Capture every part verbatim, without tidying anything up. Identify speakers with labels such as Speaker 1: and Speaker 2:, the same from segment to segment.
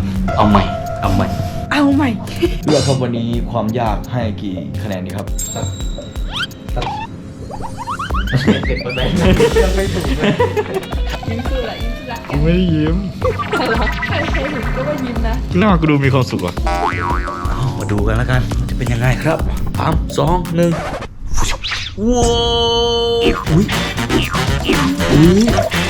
Speaker 1: เอาใหม่เอาใหม่
Speaker 2: เอาใหม่
Speaker 1: เลือกครับวันนี้ความยากให้กี่คะแนนดีครับเก็บไปไหนยังไม่ถูกเลย
Speaker 2: ยิ้มสู้ละยิ้มสู้ละ
Speaker 1: กูไม่ได้ยิ้ม
Speaker 2: ใครใครถึงก็ว่ายิ้มนะ
Speaker 1: หน้ากูดูมีความสุขอ่ะมาดูกันแล้วกันมันจะเป็นยังไงครับสามสองหนึ่งว้าวอุ้ยอุ้ย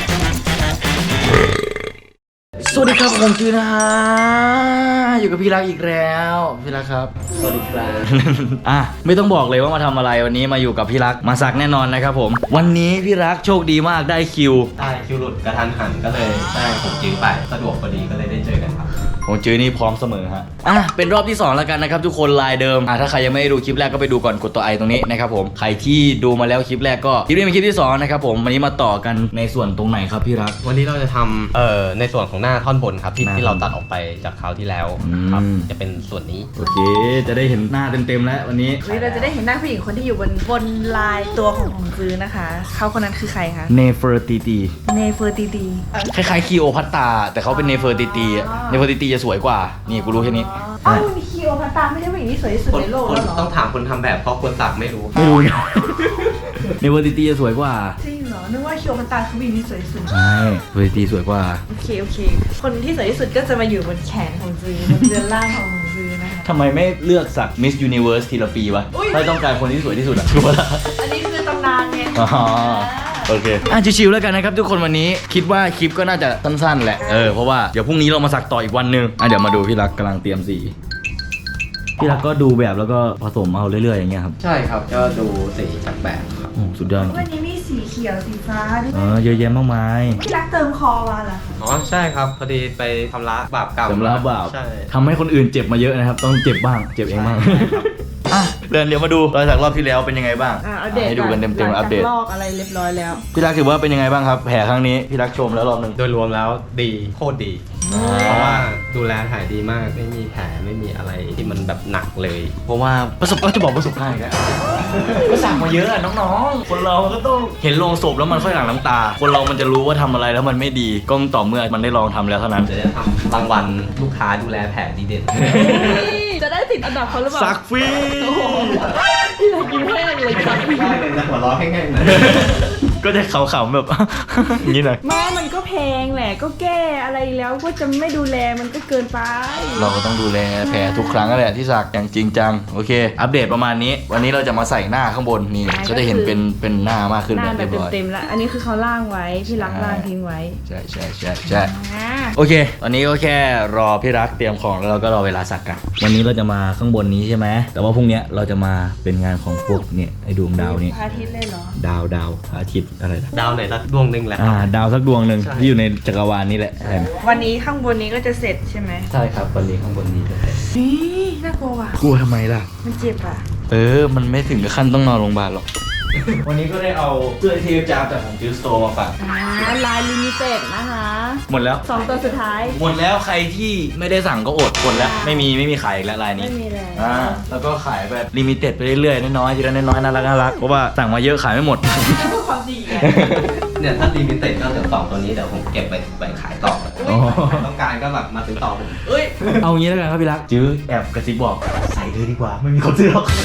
Speaker 1: สวัสดีครับผมจือนะฮะอยู่กับพี่รักอีกแล้วพี่รักครับสวัสดีครับ อ่ะไม่ต้องบอกเลยว่ามาทำอะไรวันนี้มาอยู่กับพี่รักมาสักแน่นอนนะครับผมวันนี้พี่รักโชคดีมากได้คิว
Speaker 3: ได้คิวหลุดกระทันหันก็เลยได้ผมจื้อไปสะดวกพอดีก็เลยได้เจอกันครับ
Speaker 1: ผมจื้อนี่พร้อมเสมอฮะอ่ะเป็นรอบที่สองแล้วกันนะครับทุกคนลายเดิมอ่ะถ้าใครยังไม่ได้ดูคลิปแรกก็ไปดูก่อนกดตัวไอตรงนี้นะครับผมใครที่ดูมาแล้วคลิปแรกก็คลิปนี้เป็นคลิปที่สองนะครับผมวันนี้มาต่อกันในส่วนตรงไหนครับพี่รัก
Speaker 3: วันนี้เราจะทำเอ่อในส่วนของหน้าท่อนบนครับที่
Speaker 1: หน้า
Speaker 3: ที่เราตัดออกไปจากคราวที่แล้วครับ
Speaker 1: อืม
Speaker 3: จะเป็นส่วนนี้
Speaker 1: โอเคจะได้เห็นหน้าเต็มๆแล้ววันนี้
Speaker 2: วันนี้เราจะได้เห็นหน้าผู้หญิงคนที่อยู่บนบนลายตัวของของซื้อนะคะ เขาคนนั้นคือใครคะ
Speaker 1: เนเฟอร์ตีตี
Speaker 2: เนเฟอร์ตีตี
Speaker 1: คล้ายๆคีโอพัตตาแต่เขาเป็นเนเฟอร์ตีตีอะเนเฟอร์ตีตีจะสวยกว่านี่กูรู้แค่นี้
Speaker 2: อ้าวมีคีโอพัตตาไม่ใช่ผู้หญิงที่สวยที่สุด
Speaker 3: คน
Speaker 2: ในโลก
Speaker 3: คน
Speaker 2: แล้วเหรอ
Speaker 3: ต้องถามคนทำแบบเพราะคนสักไม่รู้
Speaker 1: ไม่รู้ไง เนเฟอร์ตีตีจะสวยกว่า
Speaker 2: จริงเหรอนึกว่าคีโอพัตตาคือผู้หญิงที่สวยที่สุด
Speaker 1: ใช่เนเฟอร์ตีตีสวยกว่า
Speaker 2: โอเคโอเค คนที่สวยที่สุดก็จะมาอยู่บนแขนของซื้อบนเรือนร่างของของซื้อนะคะ
Speaker 1: ทำไมไม่เลือกสักมิสยูนิเวิร์สทีละปีวะ
Speaker 2: อุ๊ย
Speaker 1: ถ้าต้องการคนที่สวยที่สุดอะถูกปะล่ะ
Speaker 2: อันนี้คือตำนานไง
Speaker 1: อ๋อโอเคอ่ะชิวๆแล้วกันนะครับทุกคนวันนี้คิดว่าคลิปก็น่าจะสั้นๆแหละเออเพราะว่าเดี๋ยวพรุ่งนี้เรามาสักต่ออีกวันหนึงอ่ะเดี๋ยวมาดูพี่รักกำลังเตรียมสีพี่รักก็ดูแบบแล้วก็ผสมเอาเรื่อยๆอย่างเงี้ยครับ
Speaker 3: ใช่ครับก็ดูสีจากแบบครับ
Speaker 1: โอ้สุดยอด
Speaker 2: วันนี้มีสีเขียวสีฟ้าด้วย
Speaker 1: เออเยอะแยะมากมาย
Speaker 2: พี่รักเติมคอมาเหรอคะ
Speaker 3: อ๋อใช่ครับพอดีไปทำละบาปเก่า
Speaker 1: สำรับบ่าว
Speaker 3: ใช่
Speaker 1: ทำให้คนอื่นเจ็บมาเยอะนะครับ ต้องเจ็บบ้างเจ็บเองบ้าง
Speaker 3: ใช่ครับ
Speaker 1: อ่ะเดี๋ยวเดี๋ยวมาดูรอยสักรอบที่แล้วเป็นยังไงบ้าง
Speaker 2: อ่าอัปเดต
Speaker 1: ให้ดูกันเต็มๆ
Speaker 2: หลัง
Speaker 1: อัปเดต
Speaker 2: จากลอกอะไรเรียบร้อยแล้ว
Speaker 1: พี่รักถือว่าเป็นยังไงบ้างครับแผลครั้งนี้พี่รักชมแล้วรอบหนึ่ง
Speaker 3: โดยรวมแล้วดีโคตรดี เพราะว่าดูแลถ่ายดีมากไม่มีแผลไม่มีอะไรที่มันแบบหนักเลย
Speaker 1: เพราะว่าประสบก็จะบอกประสบการณ์อีกแล้วก็สั่งมาเยอะอะน้องๆ คนเราก็ต้องเห็นโลงศพแล้วมันค่อยหลั่งน้ำตา คนเรามันจะรู้ว่าทำอะไรแล้วมันไม่ดีก็ต่อเมื่อมันได้ลองทำแล้วเท่านั้น
Speaker 3: จะได้ทำรางวัลลูกค้าดูแลแผลดีเด่น
Speaker 2: จะได้ติดอันดับเขาหรือเปล่า
Speaker 1: สักฟรี
Speaker 2: พี่รักกินแห้งเลยสัก
Speaker 3: ได้เลยนะหัวเราะแห้งๆนะ
Speaker 1: ก็จะขำๆแบบ อย่างนี้หน่อย
Speaker 2: แม่มันก็แพงแหละก็แก้อะไรแล้วก็จะไม่ดูแลมันก็เกินไป
Speaker 1: เราก็ต้องดูแลแผลทุกครั้งนั่นแหละที่สักอย่างจริงจังโอเค อัปเดตประมาณนี้ วันนี้เราจะมาใส่หน้าข้างบนนี่ก็จะเห็นเป็นเป็นหน้ามากขึ้น
Speaker 2: ห
Speaker 1: แบ
Speaker 2: น้า
Speaker 1: บ
Speaker 2: แบ
Speaker 1: เรี
Speaker 2: บ
Speaker 1: ยบร้อย
Speaker 2: เต็มๆแล้วอันนี้คือเขาล่างไว้พี่รักล่างทิ้งไว้
Speaker 1: ใช่ใช่ใช่ใช่
Speaker 2: อ่า
Speaker 1: โอเคตอนนี้ก็แค่รอพี่รักเตรียมของแล้วเราก็รอเวลาสักกันวันนี้เราจะมาข้างบนนี้ใช่ไหมแต่ว่าพรุ่งนี้เราจะมาเป็นงานของพวกเนี่ยไอ้ดวงดาวนี่
Speaker 2: พระอาทิตย์เลยเหรอ
Speaker 1: ดาวดาวพระอาทิตย์อะไรนะ
Speaker 3: ดาวไหนละดวงหนึ่งแหละ
Speaker 1: อ่าดาวสักดวงหนึ่ง
Speaker 3: ใช่
Speaker 1: ที่อยู่ในจักรวาลนี้แหละใช่
Speaker 2: วันนี้ข้างบนนี้ก็จะเสร็จใช่ไหม
Speaker 1: ใช่ครับวันนี้ข้างบนนี้เลย
Speaker 2: นี่น่ากลัวว่ะ
Speaker 1: กลัวทำไมล่ะ
Speaker 2: มันเจ็บอ่ะ
Speaker 1: เออ มันไม่ถึงกับขั้นต้องนอนโรงพยาบาลหรอก วันนี้ก็ได้เอาเสื้อเทปจาจากของจิวสโตร์มาฝาก
Speaker 2: อ่าลายลิมิเต็ดนะคะ
Speaker 1: หมดแล้ว
Speaker 2: สองตัวสุดท้าย
Speaker 1: หมดแล้วใครที่ไม่ได้สั่งก็อดหมดแล้ว ไม่มีไม่มีขายอีกแล้วลายนี้
Speaker 2: ไม่มีแล้ว
Speaker 1: อ่า แล้วก็ขายแบบลิมิเต็ดไปเรื่อยๆ น้อยๆ ทีละน้อยๆ น่ารักน่ารักเพราะว่าสั่งมาเยอะขายไม่หมด
Speaker 2: พูดความจริงไง
Speaker 3: เนี่ยถ้าลิมิเต็ดก็เดี๋ยวสองตัวนี้เดี๋ยวผมเก็บไปไปขายต่อ
Speaker 1: อ๋อ
Speaker 3: ใครต้องการก็แบบมาซื้อต่อผม
Speaker 2: เอ้ย
Speaker 1: เอางี้แล้วกันครับพี่รักจื้อแอบกระซิบบอกใส่เลยดีกว่า ไม่มีคนซื้อหรอก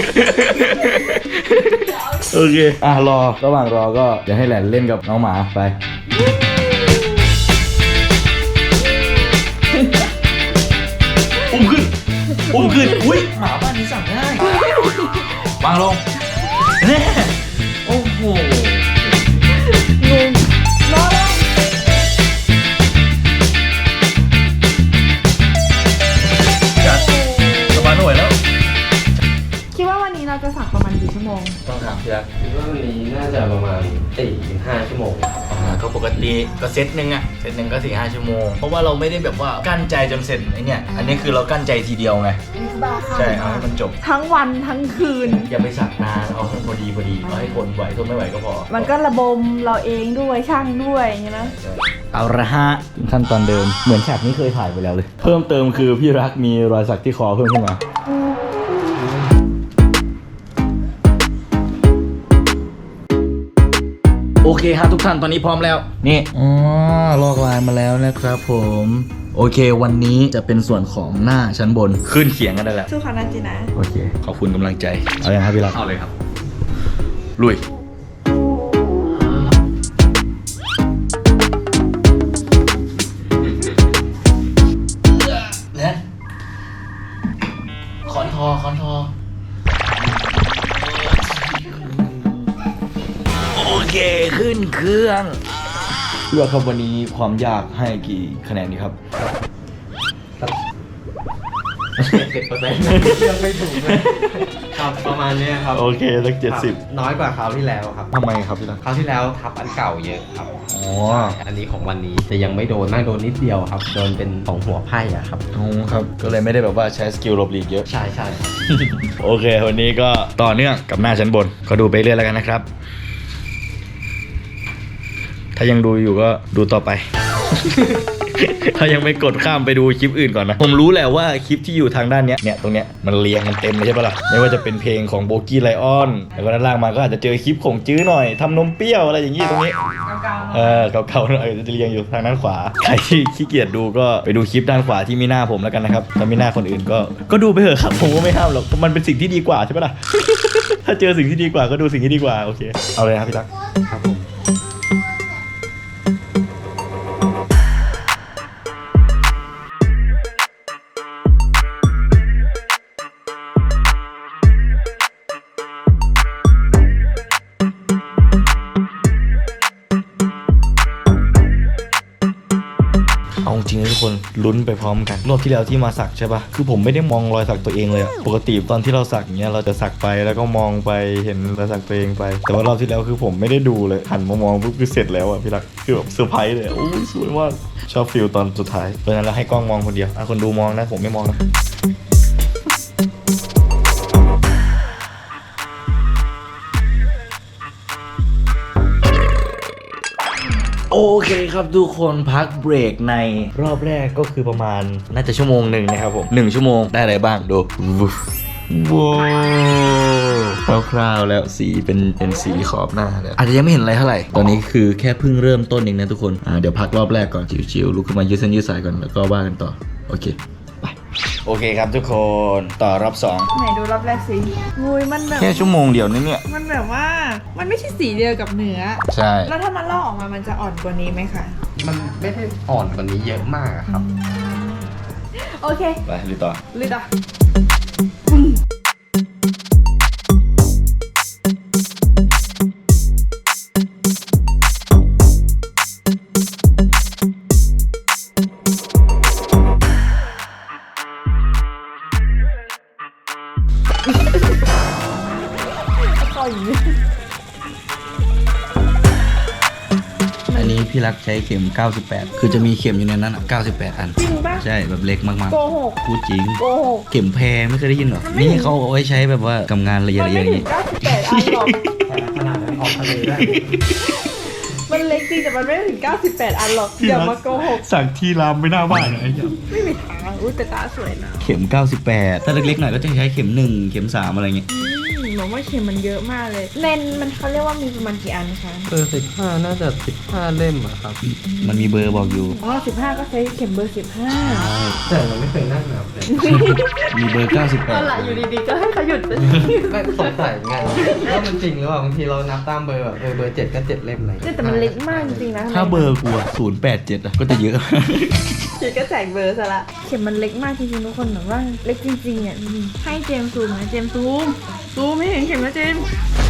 Speaker 1: โอเค อ่ะรอ ระหว่างรอก็เดี๋ยวให้แหลนเล่นกับน้องหมาไป อุ้มขึ้น อุ้มขึ้น อุ้ยหมาบ้านนี้สั่งได้วางลงแน่โอ้โห
Speaker 2: งงรอแล้ว
Speaker 1: จัดสบายไม่ไหวแล้ว
Speaker 2: คิดว่าวันนี้เราจะสักประมาณกี่ชั่วโมง
Speaker 1: ต้องถามพี่รัก
Speaker 3: คิดว่าวันนี้น่าจะประมาณสี่ถึงห้าชั่วโมง
Speaker 1: อ่าก็ปกติก็เซตหนึ่งอะเซตหนึ่งก็สี่ห้าชั่วโมง เพราะว่าเราไม่ได้แบบว่ากั้นใจจนเสร็จไอเนี่ย อันนี้คือเรากั้นใจทีเดียวไง
Speaker 2: บ้าค่ะ
Speaker 1: ใช่ เอาให้มันจบ
Speaker 2: ทั้งวันทั้งคืน
Speaker 1: อย่าไปสักนาน เอาให้พอดีพอดี เอาให้ทนไหวทนไม่ไหวก็พอ
Speaker 2: มันก็ระบมเราเองด้วยช่างด้วยอย่างเงี้ยนะ
Speaker 1: ใช่เอาละฮะขั้นตอนเดิม เหมือนฉากนี้เคยถ่ายไปแล้วเลย เพิ่มเติมคือพี่รักมีรอยสักที่คอเพิ่มขึ้นมา โอเคฮะทุกท่านตอนนี้พร้อมแล้ว นี่ อ๋อ ลอกลายมาแล้วนะครับผม โอโอเค วันนี้จะเป็นส่วนของหน้าชั้นบนขึ้นเขียงกันได้แล้ว
Speaker 2: สู้เขานาจีนะ
Speaker 1: โอเค ขอบคุณกำลังใจ เอาอย่างครับพี่รัก
Speaker 3: เอาเลยครับ
Speaker 1: ลุยเนี่ยคอนทอคอนทอ โอเค ขึ้นเครื่องเลือกครับวันนี้ความยากให้กี่คะแนนดีครับ
Speaker 3: สิบเปอร์เซ็นต์ยังไม่ถูกเลยครับประมาณเนี้ยครับ
Speaker 1: โอเคสักเจ็ดสิบ
Speaker 3: ครับน้อยกว่าคราวที่แล้วครับ
Speaker 1: ทำไมครับพี่รัก
Speaker 3: คราวที่แล้วทับอันเก่าเยอะครับ
Speaker 1: อ๋อ
Speaker 3: อันนี้ของวันนี้แต่ยังไม่โดนน่าโดนนิดเดียวครับ โดนเป็นของหัวไพ่อะครับ
Speaker 1: อ๋อครับ ก็เลยไม่ได้แบบว่าใช้สกิลหลบหลีกเยอะ
Speaker 3: ใช่ใช่ครับ
Speaker 1: โอเค วันนี้ก็ต่อเนื่องกับหน้าชั้นบน ก็ดูไปเรื่อยแล้วกันนะครับ ถ้ายังดูอยู่ก็ดูต่อไป ถ้ายังไม่กดข้ามไปดูคลิปอื่นก่อนนะ ผมรู้แหละว่าคลิปที่อยู่ทางด้านเนี้ย เนี่ยตรงเนี้ยมันเรียงมันเต็มเลยใช่ปะล่ะ ไม่ว่าจะเป็นเพลงของโบกี้ไลออน แล้วก็ด้านล่างมาก็อาจจะเจอคลิปของจื้อหน่อยทำนมเปรี้ยวอะไรอย่างงี้ตรงนี้
Speaker 2: เก่าๆ
Speaker 1: เออเก่าๆหน่อยจะเรียงอยู่ทางด้านขวา ใครที่ขี้เกียจดูก็ไปดูคลิปด้านขวาที่มีหน้าผมแล้วกันนะครับ ถ้ามีหน้าคนอื่นก็ก็ดูไปเถอะครับ ผมก็ไม่ห้ามหรอก มันเป็นสิ่งที่ดีกว่าใช่ปะล่ะ ถ้าเจอสิ่งที่ดีกว่าก็ดูสิ่งที่ดีกว่า โอเค เอาเลยครับพี่ตั๊ก
Speaker 3: ครับผม
Speaker 1: เอาจริงๆนะทุกคนลุ้นไปพร้อมกันรอบที่แล้วที่มาสักใช่ปะคือผมไม่ได้มองรอยสักตัวเองเลยอะปกติตอนที่เราสักอย่างเงี้ยเราจะสักไปแล้วก็มองไปเห็นรอยสักตัวเองไป แต่ว่ารอบที่แล้วคือผมไม่ได้ดูเลยหันมามองปุ๊บคือเสร็จแล้วอะพี่รักคือแบบเซอร์ไพรส์เลยอะโอ้ยสวยมากชอบฟิลตอนสุดท้ายเพราะฉะนั้นเราให้กล้องมองคนเดียวอ่ะคนดูมองนะผมไม่มองนะ โอเคครับทุกคนพักเบรกในรอบแรกก็คือประมาณน่าจะชั่วโมงหนึ่งนะครับผมหนึ่งชั่วโมงได้อะไรบ้างดูว้าวคร่าวๆแล้วสีเป็นเป็นสีขอบหน้าแล้วอาจจะยังไม่เห็นอะไรเท่าไหร่ตอนนี้คือแค่เพิ่งเริ่มต้นเองนะทุกคนอ่าเดี๋ยวพักรอบแรกก่อนชิวๆลุกขึ้นมายืดเส้นยืดสายก่อนแล้วก็ว่ากันต่อโอเคไปโอเคครับทุกคนต่อรอบสอง
Speaker 2: ไหนดูรอบแรกสิงูยมันแบบ
Speaker 1: แค่ชั่วโมงเดียวนี่เนี่ย
Speaker 2: มันแบบว่ามันไม่ใช่สีเดียวกับเนื้อ
Speaker 1: ใช่
Speaker 2: แล้วถ้ามันลอกออกมามันจะอ่อนกว่านี้ไหมคะ
Speaker 3: มันไม่ได้อ่อนกว่านี้เยอะมากอะครับ
Speaker 2: โอเค
Speaker 1: ไปลุยต่อ
Speaker 2: เลยต่อต่อย
Speaker 1: อันนี้พี่รักใช้เข็มเก้าสิบแปดคือจะมีเข็มอยู่ในนั้นอ่ะเก้าสิบแปดอัน
Speaker 2: จริงปะ
Speaker 1: ใช่แบบเล็กมาก
Speaker 2: โกหก
Speaker 1: ๆพูดจริง
Speaker 2: โกหก
Speaker 1: เข็มแพงไม่เคยได้ยินหรอ
Speaker 2: ไม่
Speaker 1: นี่เขาเอาไว้ใช้แบบว่าทำงานละเอียด
Speaker 2: มัน
Speaker 1: ๆอ
Speaker 2: ไม่
Speaker 1: ย่าง
Speaker 2: ถึ
Speaker 1: นี้
Speaker 2: งเก้าสิบแปดอันหรอก
Speaker 3: ขนาดนั้นออกทะเลได้
Speaker 2: มันเล็กจริงแต่มันไม่ถึงเก้าสิบแปดอันหรอกอย่ามาโกหก
Speaker 1: สั่งที่รามไม่น่าบ้านนะไอ้เหี้ย
Speaker 2: ไม่มีทางอุ้ยแต่ตาสวยนะ
Speaker 1: เข็มเก้าสิบแปดถ้าเล็กๆหน่อยก็จะใช้เข็มหนึ่งเข็มสามอะไรเงี้ย
Speaker 2: อืมหนูว่าเข็มมันเยอะมากเลยเลนส์มันเขาเรียกว่ามีประมาณกี่อันคะ
Speaker 3: เออสิบห้าน่าจะสิบห้าเล่มอะครับ
Speaker 1: มันมีเบอร์บอกอยู่
Speaker 2: อ๋อสิบห้าก็ใช้เข็มเบอร์สิบห้า
Speaker 3: แต่เราไม่เคยนั่งนับเลย
Speaker 1: มีเบอร์เก้าสิบแป
Speaker 2: ตอ
Speaker 1: ด
Speaker 2: นหลังอยู่ดีๆก็ให้เขาหยุดไป
Speaker 3: ไม่สงสัยเหมือนกันว่ามันจริงหรือเปล่าบางทีเรานับตามเบอร์แบบเออเบอร์เจ็ดก็เจ็ดเล่มอะไร
Speaker 2: เนี่ยแต่มันเล็กมากจริงๆนะ
Speaker 1: ถ้าเบอร์กูศูนย์แปดเจ็ดอะก็จะเยอะ
Speaker 2: เจ็ดก็แจกเบอร์ซะละเข็มมันเล็กมากจริงๆทุกคนแบบว่าเล็กจริงๆอ่ะดูดิให้เจมส์ซูมนะเจมส์ซูมซูมไม่เห็นเข็มนะเจมส์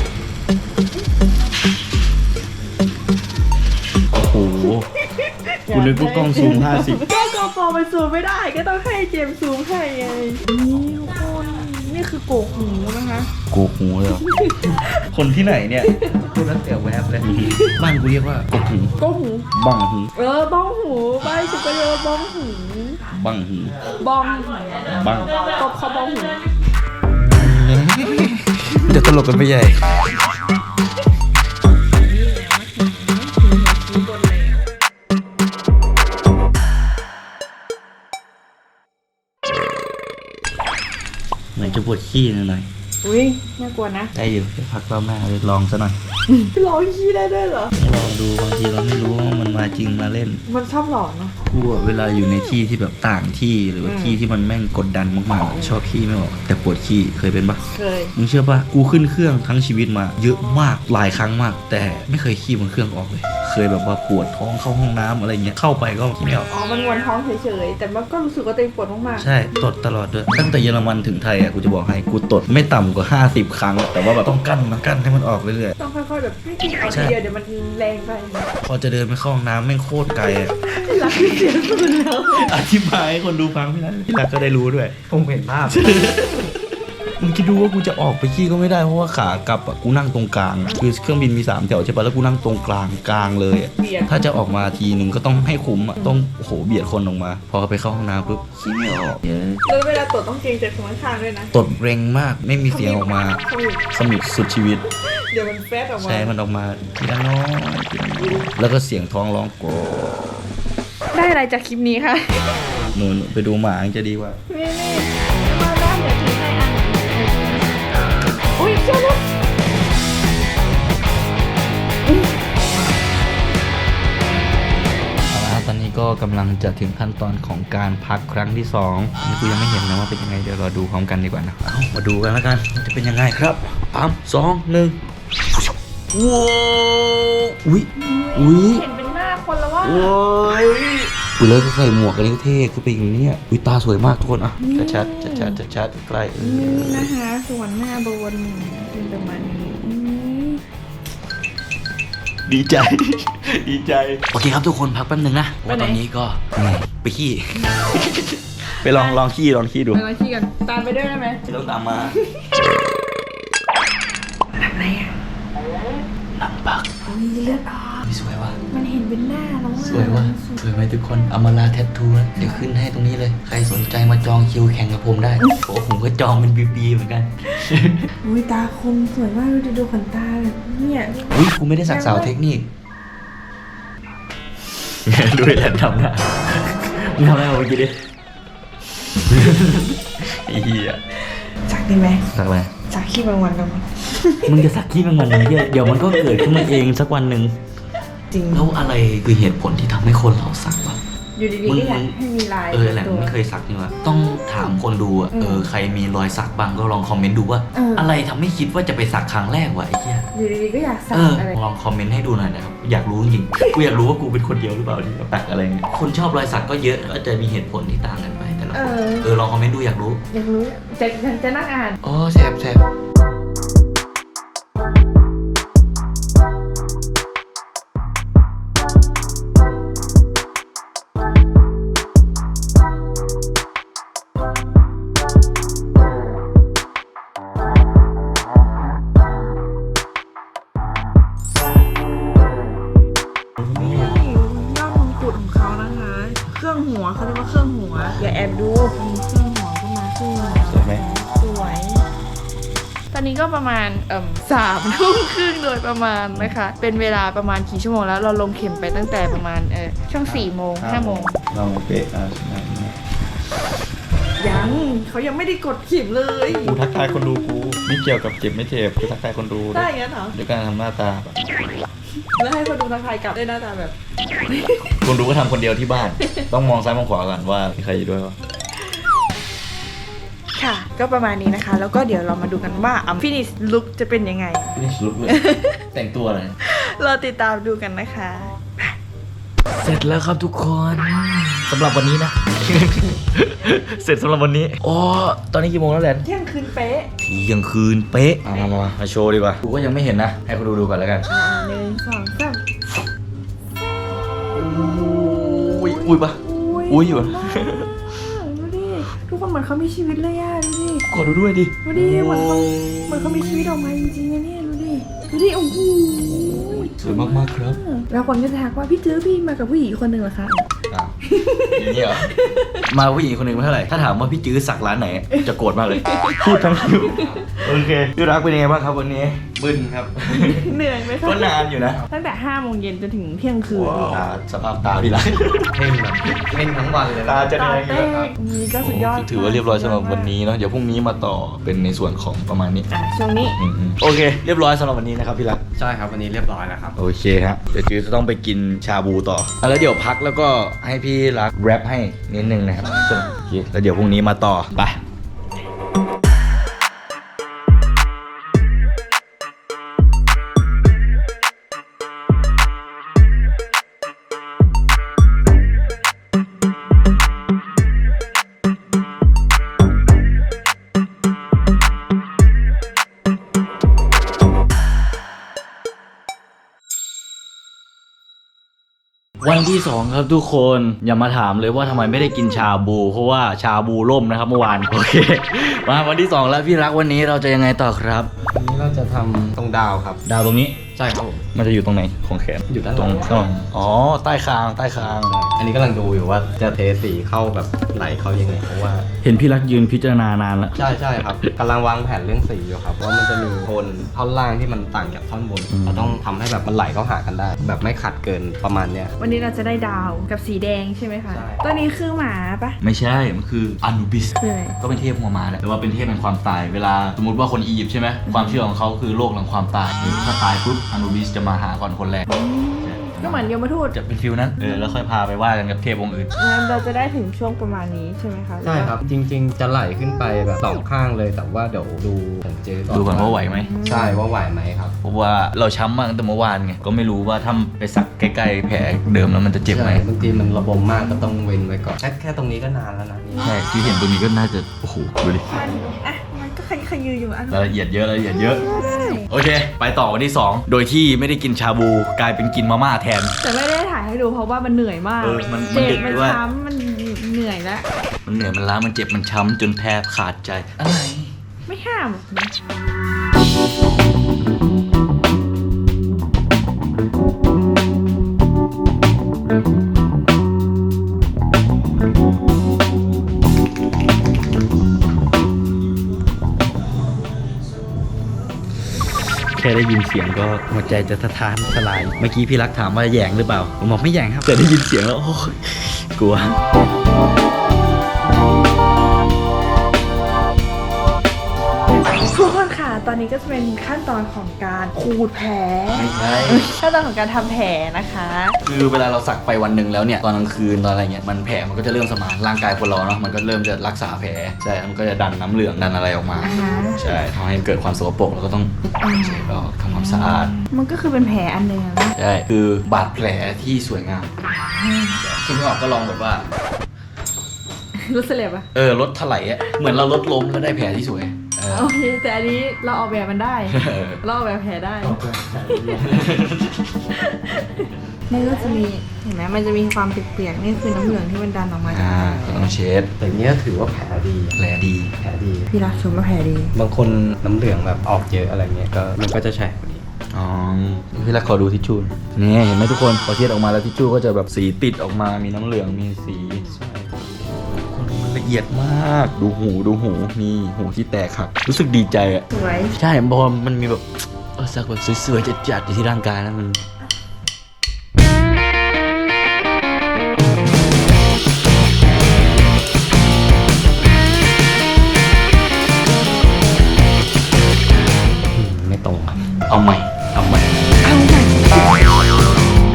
Speaker 1: โอ้โหกูนึกว่ากล้องซูมห้าสิบ
Speaker 2: ก็กโปรมันซูมไม่ได้ก็ต้องให้เจมส์ซูมให้ไงนี่ทุกคนนี่คือโกกหูนะคะ
Speaker 1: โกหูเลยเหรอคนที่ไหนเนี่ย
Speaker 3: พูดแล้วเสียแวบเลย
Speaker 1: บ้านกูเรียกว่าโกหู
Speaker 2: โกกหู
Speaker 1: บังหู
Speaker 2: เออบ้องหูบ้านฉันก็เรียกว่าบ้องหู
Speaker 1: บังหู
Speaker 2: บ้องหู
Speaker 1: บัง
Speaker 2: ตบเขาบ้องหู
Speaker 1: เดี๋ยวตลกกันไปใหญ่เหมือนจะปวดขี้หน่อย
Speaker 2: อุ้ยน่ากลัวนะ
Speaker 1: ได้อยู่เดี๋ยวพักรอบหน้าเลยลองซะหน่อย
Speaker 2: ร้องขี้ได้ด้วยเหรอ
Speaker 1: ลองดูบางทีเราไม่รู้ว่ามันมาจริงมาเล่น
Speaker 2: มันชอบหลอนเนาะ
Speaker 1: กูอะเวลาอยู่ในที่ที่แบบต่างที่หรือว่า
Speaker 2: อืม
Speaker 1: ที่ที่มันแม่งกดดันมากๆอะชอบขี้ไม่ออกแต่ปวดขี้เคยเป็นปะ
Speaker 2: เคย
Speaker 1: มึงเชื่อปะกูขึ้นเครื่องทั้งชีวิตมา เยอะมากหลายครั้งมาก แต่ไม่เคยขี้บนเครื่องออกเลย เคยแบบว่าปวดท้องเข้าห้องน้ำอะไรเงี้ยเข้าไปก็ขี้ไม่ออก
Speaker 2: อ๋อ มันวนท้องเฉยๆ แต่มันก็รู้สึกว่าตัวเองปวดมากๆ
Speaker 1: ใช่ตดตลอดด้วยตั้งแต่เยอรมันถึงไทยอ่ะกูจะบอกให้กูตดไม่ต่ำกว่าห้าสิบครั้ง แต่ว่าแบบต้องกั้นนะกั้นให้มันออกเรื่อย
Speaker 2: ต้องค่อยๆแบบไม่กินเอา
Speaker 1: ใช่
Speaker 2: ทีเดียวเดี๋ยวมันแรงไป
Speaker 1: ๆพอจะเดินไปเข้าห้องน้ำแม่งโคตรไกลอ่ะ
Speaker 2: รักเสียสุดแล้ว
Speaker 1: อธิบายให้คนดูฟังพี่นัทพี่นัทก็ได้รู้ด้วย
Speaker 3: ผมเห็นภาพ
Speaker 1: มึงคิดดูว่ากูจะออกไปขี้ก็ไม่ได้เพราะว่าขากลับอ่ะกูนั่งตรงกลางอะคือเครื่องบินมีสามแถวใช่ปะแล้วกูนั่งตรงกลางกลางเลยอะ
Speaker 2: เบียด
Speaker 1: ถ้าจะออกมาทีนึงก็ต้องให้คุ้มอ่ะต้องโอ้โหเบียดคนออกมา พอไปเข้าห้องน้ำปุ๊บขี้ไม่ออกเยอะ
Speaker 2: แล้วเวลาตรวจต้องเกรงใจคนข้างๆด้วยนะ
Speaker 1: ตดเร็งมากไม่มีเสียงออกมา
Speaker 2: ขมิบ
Speaker 1: ขมิบสุดชีวิต
Speaker 2: เดี๋ยวมันแฟดออกมา
Speaker 1: ใช่มันออกมาทีละน้อยทีละน้อยแล้วก็เสียงท้องร้องโกรธ
Speaker 2: ได้อะไรจากคลิปนี้คะ
Speaker 1: หนูหนูไปดูหมาจะดีกว่า
Speaker 2: นี่นี่มาด้านเดี๋ยวถึงให้ทางอุ้ยเจ้าลูก
Speaker 1: เอาละครับตอนนี้ก็กำลังจะถึงขั้นตอนของการพักครั้งที่สองนี่กูยังไม่เห็นนะว่าเป็นยังไงเดี๋ยวเราดูพร้อมกันดีกว่านะเอามาดูกันแล้วกันว่าจะเป็นยังไงครับสามสองหนึ่งว้าวอุ้ยอุ้ย
Speaker 2: เห็นเป็นหน้าคนแล้วว่า
Speaker 1: โอ้ยอุ้ยแล้วก็ใส่หมวกกันนี่ก็เท่คือเป็นอย่างนี้อ่ะอุ้ยตาสวยมากทุกคนอ่ะชัดชัดชัดชัดชัดใกล้เอ
Speaker 2: นี่
Speaker 1: อ
Speaker 2: นะคะส่วนหน้าบนเป็นประมาณนี้อืม
Speaker 1: ดีใจ ดีใจโอเคครับทุกคนพักแป๊บนึงนะเพราะว่าตอนนี้ก็เหนื่อยไปขี้ ไปลองลองขี้ลองขี้ดู
Speaker 2: ไปลองขี้กันตามไปด้วยได้ไหม
Speaker 1: ไม่ต้องตามมา
Speaker 2: ทำอะไรอ่ะ
Speaker 1: หนังปัก
Speaker 2: มีเลือดออก
Speaker 1: สวยว่ะ
Speaker 2: มันเห็นเป็นหน้าแล้วอ่ะ
Speaker 1: สวยว่ะสวยไหมทุกคนอมาลาแทททูนะเดี๋ยวขึ้นให้ตรงนี้เลย ใครสนใจมาจองคิวแข่งกับผมได้โอ้ผมก็จองเป็นปีๆเหมือนกัน
Speaker 2: อุ้ยตาคมสวยมากดูดิดูขนตาแบบเนี่ย
Speaker 1: อุ้ยกูไม่ได้สักสาวเทคนิคดูแลนทำนะมึงทำอะไรมาเมื่อกี้ดิไอ้เหี้ย
Speaker 2: จักได้ไหม
Speaker 1: สักอะไร
Speaker 2: จักขี้บางวันกัน
Speaker 1: มึงจะสักขี้มันวันนึงเหี้ยเดี๋ยวมันก็เกิดขึ้นมาเองสักวันหนึ่ง
Speaker 2: จริง
Speaker 1: แล้วอะไรคือเหตุผลที่ทำให้คนเราสักวะ
Speaker 2: อยู่ดีๆก็อยากให้มีลาย
Speaker 1: เออแหละไม่เคยสักนี่วะต้องถามคนดูอะเออใครมีรอยสักบ้างก็ลองคอมเมนต์ดูว่า อะไรทำให้คิดว่าจะไปสักครั้งแรกวะไอ้เหี้ย
Speaker 2: อยู่ดีๆก็อยากสัก
Speaker 1: เออ
Speaker 2: อะไร
Speaker 1: ลองคอมเมนต์ให้ดูหน่อยนะครับอยากรู้จริงๆกูอยากรู้ว่ากูเป็นคนเดียวหรือเปล่าที่สักอะไรเงี้ยคนชอบรอยสักก็เยอะก็จะมีเหตุผลที่ต่างกันไปแต่ละคนเออลองคอมเมนต์ดูอยากรู้
Speaker 2: อยากรู้จะจะจะนั่งอ่าน
Speaker 1: อ๋อแสบแสบ
Speaker 2: นี่ยอดมงกุฎของเขานะคะ เครื่องหัวเขาเรียกว่าเครื่องหัว อย่าแอบดูมีเครื่องหัวขึ้นมาขึ้นมา
Speaker 1: สวยไหม
Speaker 2: สวย ตอนนี้ก็ประมาณเอ่มสามทุ่มครึ่งโดยประมาณนะคะ เป็นเวลาประมาณกี่ชั่วโมงแล้วเราลงเข็มไปตั้งแต่ประมาณเออช่วงสี่โมงห้าโมง
Speaker 1: ลองเป๊ะอ่ะ
Speaker 2: ยังเขายังไม่ได้กดเข็มเลย
Speaker 1: กูทักทายคนดูกูไม่เกี่ยวกับเจ็บไม่เจ็บกูทักทายคนดู
Speaker 2: ได้งั้นเหรอ
Speaker 1: ด้วยการทำหน้าตาแบบ
Speaker 2: แล้วให้คนดูทักทายกลับด้วยหน้าตาแบบ
Speaker 1: คนดูก็ทำคนเดียวที่บ้าน ต้องมองซ้ายมองขวาก่อนว่ามีใครอยู่ด้วยวะ
Speaker 2: ค่ะ ก็ประมาณนี้นะคะ แล้วก็เดี๋ยวเรามาดูกันว่าอัมฟินิชลุคจะเป็นยังไง
Speaker 1: นี่ลุกเลย แต่งตัวอะไร
Speaker 2: เราติดตามดูกันนะคะ
Speaker 1: เสร็จแล้วครับทุกคนสำหรับวันนี้นะ เสร็จสำหรับวันนี้อ๋อตอนนี้กี่โมงแล้วแลน
Speaker 2: เที่ยงคืนเป๊ะ
Speaker 1: เที่ยงคืนเป๊ะมามามามาโชว์ดีกว่ากูก็ยังไม่เห็นนะ ให้คนดูดูก่อนแล้วกัน
Speaker 2: อ่าหนึ่งสองสาม
Speaker 1: อุ้ยอุ้ยปะ อุ้ยอยู่
Speaker 2: มากดูดิ ทุกคนเหมือนเขามีชีวิตเลยอะดูดิ
Speaker 1: กดดูด้วยดิ
Speaker 2: ดูดิเหมือนเขาเหมือนเขามีชีวิตออกมาจริงๆนะเนี่ยดูดิ ดูดิ โอ้โห
Speaker 1: สวยมากๆครับ
Speaker 2: แล้วคนก็จะทักว่าพี่เจอพี่มากับผู้หญิงคนหนึ่งเหรอคะ
Speaker 1: อ้าวอย่างนี้เหรอมาผู้หญิงคนหนึ่งไม่เท่าไหร่ถ้าถามว่าพี่จื้อสักร้านไหนจะโกรธมากเลยพูดทั้งคิวโอเคพี่รักเป็นยังไงบ้างครับวันนี้
Speaker 3: บึ้นครับ
Speaker 2: เหนื่อยไหมคะ
Speaker 1: ก็นานอยู่นะ
Speaker 2: ตั้งแต่ห้าโมงเย็นจนถึงเที่ยงคืน
Speaker 1: ตาสภาพตาพี่รัก
Speaker 3: เพ่งแบบเพ่งทั้งวันเลย
Speaker 1: ตาจะ
Speaker 2: ตา
Speaker 1: แดง
Speaker 2: เต้นี่ก็สุดยอด
Speaker 1: ถือว่าเรียบร้อยสำหรับวันนี้เนาะเดี๋ยวพรุ่งนี้มาต่อเป็นในส่วนของประมาณนี้
Speaker 2: อ่ะช่วงนี้
Speaker 1: อืมๆโอเคเรียบร้อยสำหรับวันนี้นะครับพี่รัก
Speaker 3: ใช่ครับวันนี้เรียบร้อยแล้วครับ
Speaker 1: โอเคฮะเดี๋ยวจื้อจะต้องไปกินชาบูต่ออ่ะแล้วเดี๋ยวพักแล้วก็ให้พี่รักแรปให้นิดนึงนะครับโอเคแล้วเดี๋ยวพรุ่งนี้มาต่อไปวันที่สองครับทุกคนอย่ามาถามเลยว่าทำไมไม่ได้กินชาบูเพราะว่าชาบูล่มนะครับเมื่อวานโอเคมาวันที่สองแล้วพี่รักวันนี้เราจะยังไงต่อครับ
Speaker 3: วันนี้เราจะทำตรงดาวครับ
Speaker 1: ดาวตรงนี้
Speaker 3: ใช่ครับผม
Speaker 1: มันจะอยู่ตรงไหนของแขน
Speaker 3: อยู่ด้านห
Speaker 1: ต
Speaker 3: ลั
Speaker 1: รง งข้างหลังอ๋อใต้คางใต้คาง
Speaker 3: อันนี้กำลังดูอยู่ว่าจะเทสีเข้าแบบไหลเข้ายังไงเพราะว่า
Speaker 1: เห็นพี่รักยืนพิจารณานานแล้ว
Speaker 3: ใช่ใช่ครับกำลังวางแผนเรื่องสีอยู่ครับว่ามันจะมีโทนท่อนล่างที่มันต่างจากท่อนบน
Speaker 1: อืม
Speaker 3: เราต้องทำให้แบบมันไหลเข้าหากันได้ แบบไม่ขัดเกินประมาณเนี้ย
Speaker 2: วันนี้เราจะได้ดาวกับสีแดงใช่ไหมคะ
Speaker 3: ใช่
Speaker 2: ตัวนี้คือหมาปะ
Speaker 1: ไม่ใช่มันคืออนูบิส
Speaker 2: คืออะไร
Speaker 1: ก็เป็นเทพหัวม้าแหละแต่ว่าเป็นเทพแห่งความตายเวลาสมมติว่าคนอียิปต์ใช่ไหมความเชื่อของเขาคือโลกแห่งความตายถ้าตายปุ๊บอนูบิสจะมาหาก่อนคนแรก
Speaker 2: ก็เหมือนยมทูต
Speaker 1: จะเป็นฟิลนั้นเออแล้วค่อยพาไปว่ากันกับเทพองค์อื่น
Speaker 2: งั้นเราจะได้ถึงช่วงประมาณนี้ใช่ไหมคะ
Speaker 3: ใช่ครับ จริง ๆ จะไหลขึ้นไปแบบสองข้างเลยแต่ว่าเดี๋ยวดูผมเจอ
Speaker 1: ดูก่อนว่าไหวไหม
Speaker 3: ใช่ว่าไหวไหมครับ
Speaker 1: เพราะว่าเราช้ำมากตั้งแต่เมื่อวานไงก็ไม่รู้ว่าถ้าไปสักใกล้ๆแผลเดิมแล้วมันจะเจ็บไหม
Speaker 3: ใช่บางทีมันระบมมากก็ต้องเว้นไว้ก่อนแค่แค่ตรงนี้ก็นานแล้วนะนี่
Speaker 1: ใช่ที่เห็นตรงนี้ก็น่าจะโอ้โหดูดิ
Speaker 2: มันอ่ะมันก็ขยขยืออยู่อัน
Speaker 1: รายละเอียดเยอะรายละเอียดเยอะ
Speaker 2: ใช่
Speaker 1: โอเค ไปต่อวันที่สองโดยที่ไม่ได้กินชาบูกลายเป็นกินมาม่าแทน
Speaker 2: แต่ไม่ได้ถ่ายให้ดูเพราะว่ามันเหนื่อยมาก
Speaker 1: เออมันมัน
Speaker 2: เจ็บ
Speaker 1: ดึก
Speaker 2: มัน
Speaker 1: ด้วย
Speaker 2: ช้ำมันเหนื่อยแล้ว
Speaker 1: มันเหนื่อยมันล้ามันเจ็บมันช้ำจนแทบขาดใจอะไร
Speaker 2: ไม่ห้ามหรอกนะ
Speaker 1: แค่ได้ยินเสียงก็หัวใจจะสะท้านสลายเมื่อกี้พี่รักถามว่าแหย่งหรือเปล่าผมบอกไม่แหย่งครับแต่ได้ยินเสียงแล้วโอ้ยกลัว
Speaker 2: ทุกคนค่ะตอนนี้ก็จะเป็นขั้นตอนของการขูดแผล
Speaker 1: ไม่ใช่
Speaker 2: ขั้นตอนของการทำแผลนะคะ
Speaker 1: คือเวลาเราสักไปวันหนึ่งแล้วเนี่ยตอนกลางคืนตอนอะไรเงี้ยมันแผลมันก็จะเริ่มสมานร่างกายคนเราเนาะมันก็เริ่มจะรักษาแผลใช่มันก็จะดันน้ำเหลืองดันอะไรออกมา
Speaker 2: อ่าฮะ
Speaker 1: ใช่ทำให้เกิดความสกปรกแล้วก็ต้องเช็ดออกทำความสะอาด
Speaker 2: มันก็คือเป็นแผลอันหนึ่งอะนะ
Speaker 1: ใช่คือบาดแผลที่สวยงามคุณพี่ออกก็ลองแบบว่า
Speaker 2: รู้สึกเลยปะ
Speaker 1: เออรถถลายอ่ะเหมือนเรารถล้มแล้วได้แผลที่สวยเออ
Speaker 2: โอเคแต่อันนี้เราออกแบบมันได้
Speaker 1: เออ
Speaker 2: เราออกแบบแผลได้ มันก็จะมีเห็นไหมมันจะมีความเปียกๆนี่คือน้ำเหลืองที่มันดันออกมาจาก
Speaker 1: อ่าก็ต้องเช็ด
Speaker 3: แต่เนี้ยถือว่าแผลดี
Speaker 1: แผลดี
Speaker 3: แผลดี
Speaker 2: พี่รักชมว่าแผลดี
Speaker 3: บางคนน้ำเหลืองแบบออกเยอะอะไรเงี้ยก็มันก็จะแฉะกว่านี้
Speaker 1: อ๋อพี่รักขอดูทิชชู่นี่เห็นไหมทุกคนพอเช็ดออกมาแล้วทิชชู่ก็จะแบบสีติดออกมามีน้ำเหลืองมีสีคนมันละเอียดมากดูหูดูหูนี่หูที่แตกหักรู้สึกดีใจอ่ะ
Speaker 2: สวย
Speaker 1: ใช่เพราะว่ามันมีแบบเออสักแบบสวยๆจัดๆอยู่ที่ร่างกายแล้วมัน
Speaker 3: อืมไม่ตรงครับ
Speaker 1: เอาใหม่เอาใหม่
Speaker 2: เอาใหม่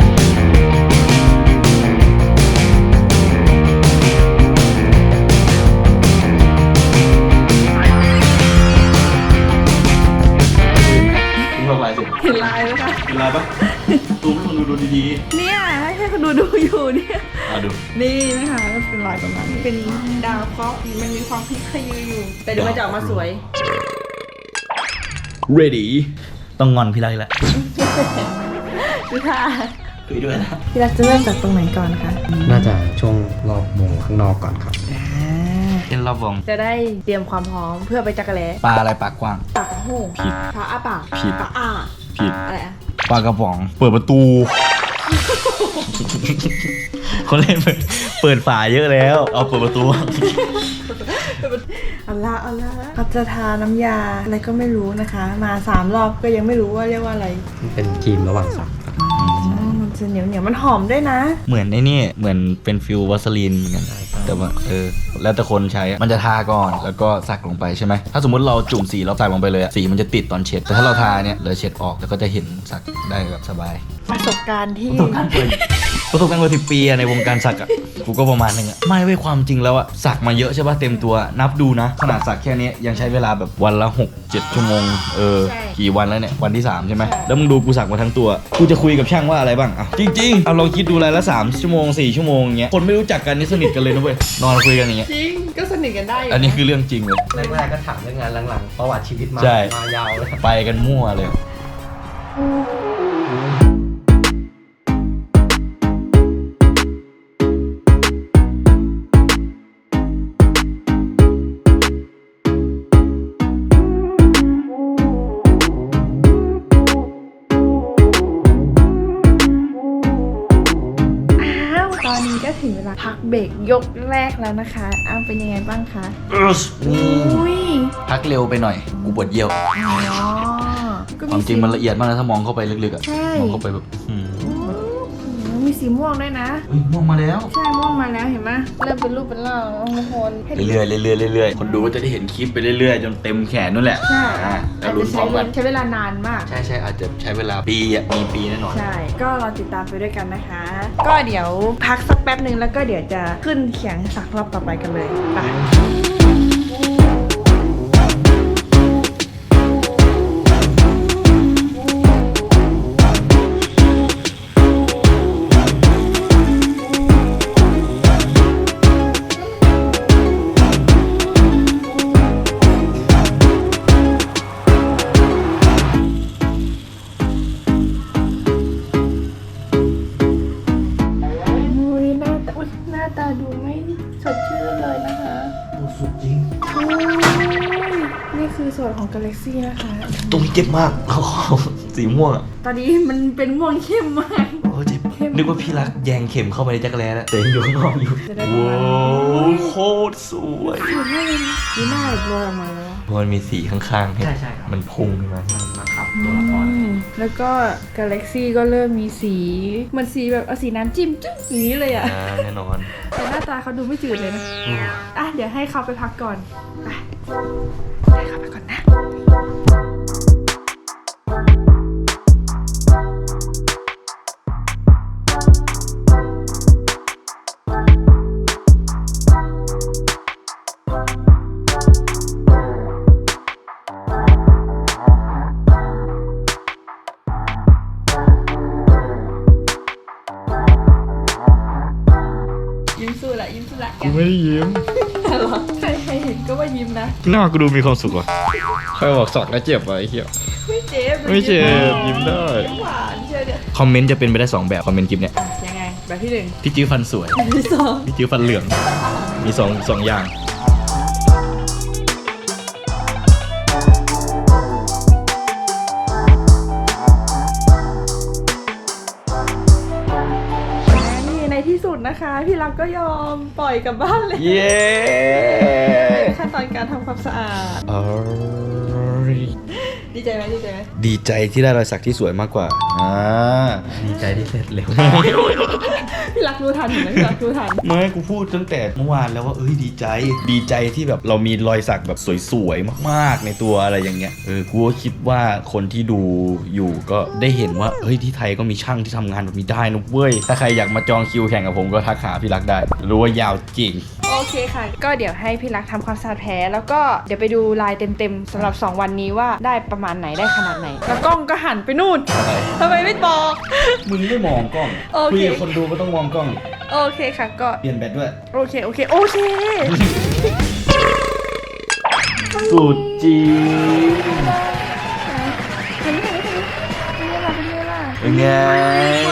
Speaker 1: คุณลองลายสิ
Speaker 2: เห็นลายไหมคะ
Speaker 1: เป็นลายปะดูให้คนดูดูดี
Speaker 2: เนี่ยให้คนดูดูอยู่เนี่ย
Speaker 1: ๆอ่ะดู
Speaker 2: นี่นะคะก็เป็นรอยประมาณนี้เป็นดาวเคราะห์มันมีความพลิกขยืออยู่ แต่เดี๋ยวมันจะออกมาสวย
Speaker 1: ready ต้องงอนพี่รักอีกแล้ว
Speaker 2: ดูท่า
Speaker 1: คุยด้วยนะ
Speaker 2: พี่รักจะเริ่มจากตรงไหนก่อนคะ
Speaker 3: น่าจะช่วงรอบวงข้างนอกก่อนครับ
Speaker 1: เป็นรอบวง
Speaker 2: จะได้เตรียมความพร้อมเพื่อไปจักรแล้
Speaker 1: ปลาอะไรปากกว้าง
Speaker 2: ปากโห่ง
Speaker 1: ผิด
Speaker 2: ปากอ้าปาก
Speaker 1: ผิด
Speaker 2: ปากอ้า
Speaker 1: ผิด
Speaker 2: อะไรอะ
Speaker 1: ปลากระป๋อง เปิดประตู ขคนเล่นเปิดเปิดฝาเยอะแล้ว เอาเปิดประตู
Speaker 2: เอาละเอาละพัฒทาน้ำยาอะไรก็ไม่รู้นะคะ มาสามรอบก็ยังไม่รู้ว่าเรียกว่าอะไร
Speaker 3: มันเป็นครีมระหว่างสัก
Speaker 2: อ๋อมันจะเหนียวเหนียวมันหอมด้วยนะ
Speaker 1: เหมือนไอ้นี่เหมือนเป็นฟิลวาสลีนเหมือนกันแต่ว่าเออแล้วแต่คนใช้อะมันจะทาก่อนแล้วก็สักลงไปใช่ไหมถ้าสมมติเราจุ่มสีแล้วใส่ลงไปเลยอะสีมันจะติดตอนเช็ดแต่ถ้าเราทาเนี่ยเราเช็ดออกแล้วก็จะเห็นสักได้แบบสบาย
Speaker 2: ประสบการณ์ที่
Speaker 1: ประสบการณ์เปิดประสบการณ์กว่าสิบปีอะในวงการสักอะกูก็ประมาณนึงอะไม่เว้ยความจริงแล้วอะสักมาเยอะใช่ป่ะเต็มตัวนับดูนะขนาดสักแค่นี้ยังใช้เวลาแบบวันละหกเจ็ดชั่วโมงเออกี่วันแล้วเนี่ยวันที่สามใช่ไหมแล้วมึงดูกูสักมาทั้งตัวกูจะคุยกับช่างว่าอะไรบ้างอ่ะจริงๆเอาลองคิดดูรายละสามชั่วโมงสี่ชั่วโมงอย่างเงี้ยคนไม่รู้จักกันนี่สนิทกันเลยนะเว้ยนอนคุยกันอย่างเงี้ย
Speaker 2: จริงก็สนิทกันได้อยู่
Speaker 1: อันนี้คือเรื่องจริงเลย
Speaker 3: แรกๆก็ถามเรื่องงานหลังๆประวัติชีวิตมา
Speaker 1: ใช่
Speaker 3: มายาวเลย
Speaker 1: ไปกันมั่วเลย
Speaker 2: อ้าวตอนนี้ก็ถึงเวลาพักเบรกยกแรกแล้วนะคะอ้าวเป็นยังไงบ้างคะ
Speaker 1: นี่
Speaker 2: อุ้ย
Speaker 1: พักเร็วไปหน่อยกูปวดเยี่ยว
Speaker 2: อ๋อก็
Speaker 1: ความจริงมันละเอียดมากนะถ้ามองเข้าไปลึกๆอะ
Speaker 2: ใช่
Speaker 1: มองเข้าไปแบบอืม
Speaker 2: อืมมีสีม่วงด้วยนะ
Speaker 1: เฮ้ยม่วงมาแล้ว
Speaker 2: ใช่ม่วงมาแล้วเห็นไหมเริ่มเป็นรูปเป็นร่างแล้วทุกคน
Speaker 1: เรื่อยๆเรื่อยๆเรื่อยๆคนดูก็จะได้เห็นคลิปไปเรื่อยๆจนเต็มแขนนู่นแหละ
Speaker 2: ใช่
Speaker 1: อ่าแล้ว
Speaker 2: อาจ
Speaker 1: ลุ้
Speaker 2: จะ
Speaker 1: นพ
Speaker 2: ใช้
Speaker 1: ร้อมกัน
Speaker 2: ใช้เวลานานมาก
Speaker 1: ใช่ใช่อาจจะใช้เวลาปีอ่ะมีปีแน่นอน
Speaker 2: ใช่ ก็รอติดตามไปด้วยกันนะคะ ก็เดี๋ยวพักสักแป๊บหนึ่งแล้วก็เดี๋ยวจะขึ้นเขียงสักรอบต่อไปกันเลยไปอุ้ยหน้าตาอุ๊ยหน้าตาดูไม่สดชื่นเลยนะคะ
Speaker 1: สุดจริง
Speaker 2: อุ้ยนี่คือส่วนของกาแล็กซี่นะคะ
Speaker 1: ตรงนี้เจ็บมาก สีม่วงอ่ะ
Speaker 2: ตอนนี้มันเป็นม่วงเข้มมาก
Speaker 1: โอ้เจ็บนึกว่าพี่รักแยงเข็มเข้าไปในจักรแร้แล้วแต่ยังอยู่ข้างนอกอยู่
Speaker 2: จะได้ประมาณ
Speaker 1: ว้าวโคตรสวย
Speaker 2: สวยมากเลยนะดูหน้าแบบลอยออกมาแล้ว
Speaker 1: เพราะมันมีสีข้างๆให้
Speaker 3: ใช่ใช่ครับ
Speaker 1: มันพุ่งขึ้นมา
Speaker 3: มาขับตัวละคร
Speaker 2: อืมแล้วก็กาแล็กซี่ก็เริ่มมีสีเหมันสีแบบเอาสีน้ำจิ้มจุ๊บอย่างนี้เลยอะ
Speaker 1: อ่าแน่นอน
Speaker 2: แต่หน้าตาเขาดูไม่จืดเลยนะ อ่ะ เดี๋ยวให้เขาไปพักก่อนไปให้เขาไปก่อนนะ ยิ้มสู้ละยิ้มสู้ละ
Speaker 1: กูไม่ได้ยิ้ม
Speaker 2: เหรอใครใครเห็นก็ว่ายิ้มนะ
Speaker 1: หน้ากูดูมีความสุขว่ะใครบอกสักแล้วเจ็บวะไอ้เหี้ย
Speaker 2: ไม่เจ็บ
Speaker 1: ไม่เจ็บยิ้มได้
Speaker 2: ยิ้มหวานเชียวเนี่ย
Speaker 1: คอมเมนต์จะเป็นไปได้สองแบบคอมเมนต์คลิปเนี้ย
Speaker 2: อ่ะยังไง แบบที่หนึ่ง
Speaker 1: พี่จิ้วฟันสวย
Speaker 2: แบบที่สอง
Speaker 1: พี่จิ้วฟันเหลือง มีสองสองอย่าง
Speaker 2: นี่ในที่สุดนะคะ พี่รักก็ยอมปล่อยกลับบ้านเลย
Speaker 1: เย้
Speaker 2: ขั้นตอนการทำความสะอาด
Speaker 1: เอ้ย
Speaker 2: ดีใจไหมดีใจไหม
Speaker 1: ดีใจที่ได้รอยสักที่สวยมากกว่า อ่า
Speaker 3: ดีใจที่เสร็จเร็ว
Speaker 2: พี่รักรู้ทันเห็นไหมพี่รักรู้ทัน
Speaker 1: ไม่กูพูดตั้งแต่เมื่อวานแล้วว่าเอ้ยดีใจ ดีใจที่แบบเรามีรอยสักแบบสวยๆมากๆในตัวอะไรอย่างเงี้ย เออ กูก็คิดว่าคนที่ดูอยู่ก็ได้เห็นว่าเฮ้ยที่ไทยก็มีช่างที่ทำงานแบบนี้ได้นะเว้ย ถ้าใครอยากมาจองคิวแข่งกับผมก็ทักหาพี่รักได้ รู้ว่ายาวจริง
Speaker 2: โอเคค่ะ ก็เดี๋ยวให้พี่รักทำความสะอาดแผลแล้วก็เดี๋ยวไปดูลายเต็มๆสำหรับสองวันนี้ว่าได้ประมาณไหนได้ขนาดไหน แล้วกล้องก็หันไปนู่น
Speaker 1: อะไร
Speaker 2: ทำไมไม่บอก
Speaker 1: มึงไม่มองกล้อง
Speaker 2: โอเค
Speaker 1: คุยกับคนดูก็ต้องมองกล้อง
Speaker 2: โอเคค่ะก็
Speaker 1: เปลี่ยนแบตด้วย
Speaker 2: โอเคโอเคโอเค
Speaker 1: สุดจริง
Speaker 2: เป็นไงเป็นไงล่ะเป็นไงล่ะ
Speaker 1: เป็นไง
Speaker 2: คนท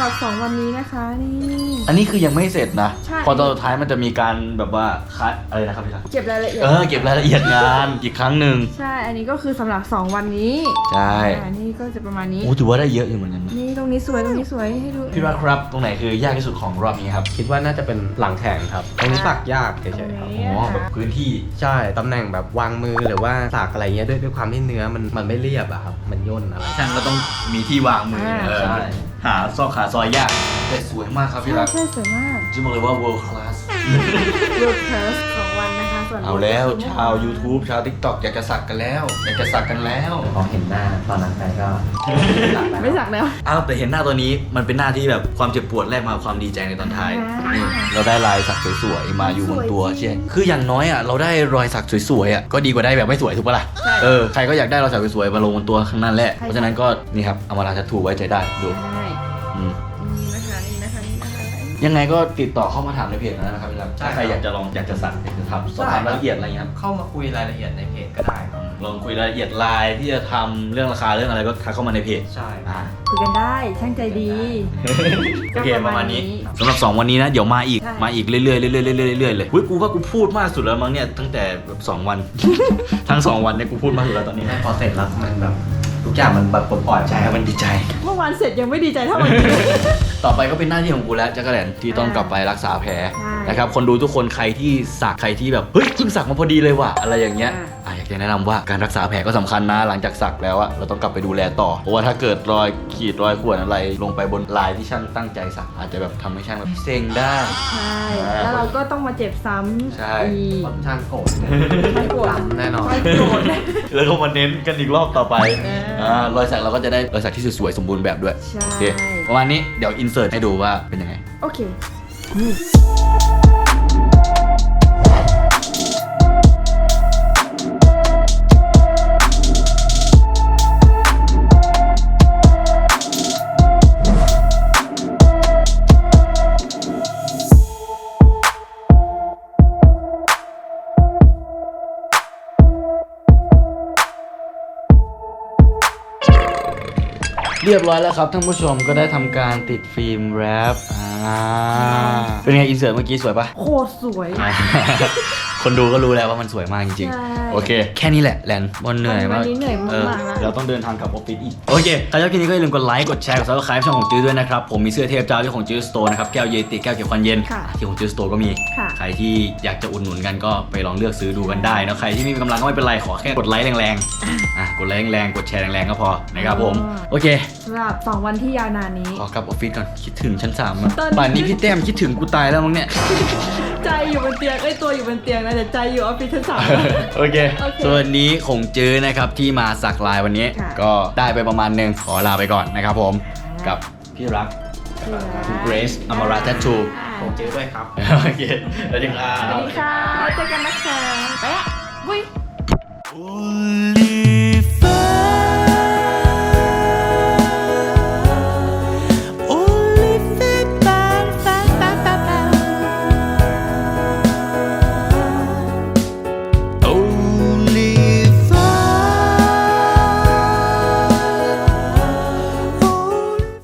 Speaker 2: หรับสองวันนี้นะคะนี่
Speaker 1: อันนี้คือยังไม่เสร็จนะ
Speaker 2: ใช่
Speaker 1: พอตอนสุดท้ายมันจะมีการแบบว่าคัดอะไรนะครับพี่รัก
Speaker 2: เก็บรายละเอียด
Speaker 1: เออเก็บรายละเอียดงานอีกครั้งหนึ่ง
Speaker 2: ใช่อันนี้ก็คือสำหรับสองวันนี้
Speaker 1: ใช่
Speaker 2: อ่านี่ก็จะประมาณนี้
Speaker 1: โอ้ถือว่าได้เยอะอยู่เหมือนกันนะ
Speaker 2: นี่ตรงนี้สวยตรงนี้สวยให้ดู
Speaker 1: พี่รักครับตรงไหนคือยากที่สุดของรอบนี้ครับ
Speaker 3: คิดว่าน่าจะเป็นหลังแข่งครับตรงนี้สักยากเฉยๆครับ
Speaker 1: อ๋อแบบพื้นที่
Speaker 3: ใช่ตำแหน่งแบบวางมือหรือว่าสักอะไรเงี้ยด้วยด้วยความที่เนื้อมันมันไม่เรียบอะครับมันย่นอะไร
Speaker 1: ช่างก็ต้องมีที่วางมือเออ
Speaker 3: ใช่
Speaker 1: หาซอกขาซอยยากแต่สวยมากครับพี่
Speaker 2: ใช่
Speaker 1: รัก
Speaker 2: ใช่สวยมาก
Speaker 1: จะบอกเลยว่า world class
Speaker 2: เวิร์คเทสสองวันนะคะส่วน
Speaker 1: เอาแล้วชาว YouTube ชาว TikTok อยากจะสักกันแล้ว อยากจะสักกันแล้ว
Speaker 3: พอเห็นหน้าตอนนั้นไปก็
Speaker 2: ไม่สักแล้ว
Speaker 1: อ้าวแต่เห็นหน้าตัวนี้มันเป็นหน้าที่แบบความเจ็บปวดแลกมาความดีใจในตอนท้าย
Speaker 2: อ่า
Speaker 1: นี่เราได้ลายสักสวยๆมาอยู่บนตัว
Speaker 2: สวยจริง
Speaker 1: เช่นคืออย่างน้อยอ่ะเราได้รอยสักสวยๆอ่ะก็ดีกว่าได้แบบไม่สวยถูกปะล่ะ
Speaker 2: ใช่
Speaker 1: เออใครก็อยากได้รอยสักสวยๆมาลงบนตัวข้างนั้นแหละเพราะฉะนั้นก็นี่ครับเอามาลาทัตทูไว้ใจได้ดู
Speaker 2: ใช่
Speaker 1: อืม
Speaker 2: นี่นะคะนี่นะคะนี่นะคะ
Speaker 1: ยังไงก็ติดต่อเข้ามาถามในเพจนะครับพี่รัก
Speaker 3: ใช่
Speaker 1: ถ้าใครอยากจะลองอยากจะสักอยากจะทำสอบถามรายละเอียดอะไรเงี้ยครับ
Speaker 3: เข้ามาคุยรายละเอียดในเพจก็ได้ครับ
Speaker 1: ลองคุยรายละเอียดไลน์ที่จะทำเรื่องราคาเรื่องอะไรก็ทักเข้ามาในเพจ
Speaker 3: ใช่
Speaker 1: อ่า
Speaker 2: คุยกันได้ช่างใจดี
Speaker 1: โอเคประมาณนี้สำหรับสองวันนี้นะเดี๋ยวมาอีก
Speaker 2: ใช่
Speaker 1: มาอีกเรื่อยๆเรื่อยๆเรื่อยๆเรื่อยๆเลยเฮ้ยกูว่ากูพูดมากสุดแล้วมั้งเนี่ยตั้งแต่แบบสองวัน ทั้งสองวันเนี่ยกูพูดมากสุดแล้วตอนนี้
Speaker 3: พอเสร็จแล้วมันแบบทุกอย่างมันแบบปลดปล่อย
Speaker 1: ใช่ครับมันดีใจ
Speaker 2: เมื่อวานเสร็จยังไม่ดีใจเท่าวันนี้
Speaker 1: ต่อไปก็เป็นหน้าที่ของกูแล้วจักรแลนที่ต้องกลับไปรักษาแผล
Speaker 2: ใช่
Speaker 1: นะครับคนดูทุกคนใครที่สักใครที่แบบเฮ้ยเพิ่งสักมาพอดีเลยว่ะอะไรอย่างเงี้ย
Speaker 2: อ่า
Speaker 1: อ่ะอยากจะแนะนำว่าการรักษาแผลก็สำคัญนะหลังจากสักแล้วอะเราต้องกลับไปดูแลต่อเพราะว่าถ้าเกิดรอยขีดรอยข่วนอะไร ลงไปบนลายที่ช่างตั้งใจสักอาจจะแบบทำให้ช่างแบบเซ็งได้
Speaker 2: ใช่ แล้วเราก็ต้องมาเจ็บซ้ำ
Speaker 1: ใช่
Speaker 2: อีก
Speaker 3: ค่อนข้างโกรธ
Speaker 2: ไม่โกรธ
Speaker 3: ดำแน่นอน
Speaker 2: ไม่โกรธ
Speaker 1: แล้วก็มาเน้นกันอีกรอบต่อไป
Speaker 2: เอออ่
Speaker 1: อ่ารอยสักเราก็จะได้รอยสักที่สวยๆสมบูรณ์แบบด้วย
Speaker 2: ใช่
Speaker 1: โอเคประมาณนี้เดี๋ยวอินเสิร์ตให้ดูว่าเป็นยังไง
Speaker 2: โอเค
Speaker 1: เรียบร้อยแล้วครับท่านผู้ชมก็ได้ทำการติดฟิล์มแรปอ่าเป็นไงอินเสิร์ตเมื่อกี้สวยปะ
Speaker 2: โคตรสวย
Speaker 1: คนดูก็รู้แล้วว่ามันสวยมากจริง
Speaker 2: ใช่
Speaker 1: ๆ โอเค แค่นี้แหละแลนบอลเหนื่อยมาก
Speaker 2: วันนี้เหนื่อยมาก
Speaker 1: เออ
Speaker 2: ๆนะ
Speaker 1: เราต้องเดินทางกลับออฟฟิศอีก โอเคใครชอบคลิปนี้ก็อย่าลืมกดไลค์ กดแชร์ กดซับสไครป์ช่องของจื้อด้วยนะครับ ผมมีเสื้อเทพเจ้าที่ของจื้อสโตร์นะครับ แก้วเยติ แก้วเขียวควันเย็น
Speaker 2: ค่ะ
Speaker 1: ที่ของจื้อสโตร์ก็มี
Speaker 2: ค่ะ
Speaker 1: ใครที่อยากจะอุดหนุนกันก็ไปลองเลือกซื้อดูกันได้นะใครที่ไม่มีกำลังก็ไม่เป็นไรขอแค่กดไลค์แรงๆอ่ะกดไลค์แรงๆกดแชร์แรงๆก็พอนะครับผมโอเค
Speaker 2: สำหรับสองวันที่ยาวนานนี้
Speaker 1: ขอกลับออฟฟิศก่อนคิดถึงชั้นสามอะ
Speaker 2: ตอนนี้
Speaker 1: ป่านนี้พี่แต้มคิดถึงกูตายแล้วมั้งเนี่ย
Speaker 2: ใจอยู่บนเตียงเอ้ยตัวอยู่บนเตียงนะแต่ใจอยู่ออฟฟิศชั้นสาม
Speaker 1: โอเค
Speaker 2: โอเค
Speaker 1: ส่วนนี้คงจื้อนะครับที่มาสักลายวันนี้
Speaker 2: ค่ะ
Speaker 1: ก็ได้ไปประมาณหนึงขอลาไปก่อนนะครับผม
Speaker 2: ค่ะ
Speaker 1: กับพี่รัก คุณเกรซอมราทัตทู
Speaker 3: ผมเจอด้วยครับ
Speaker 1: โอเคแล้วจึงอ่า
Speaker 2: สวัสดีค่ะเจอกันนะคะไปอ่ะวุ้ย
Speaker 1: Only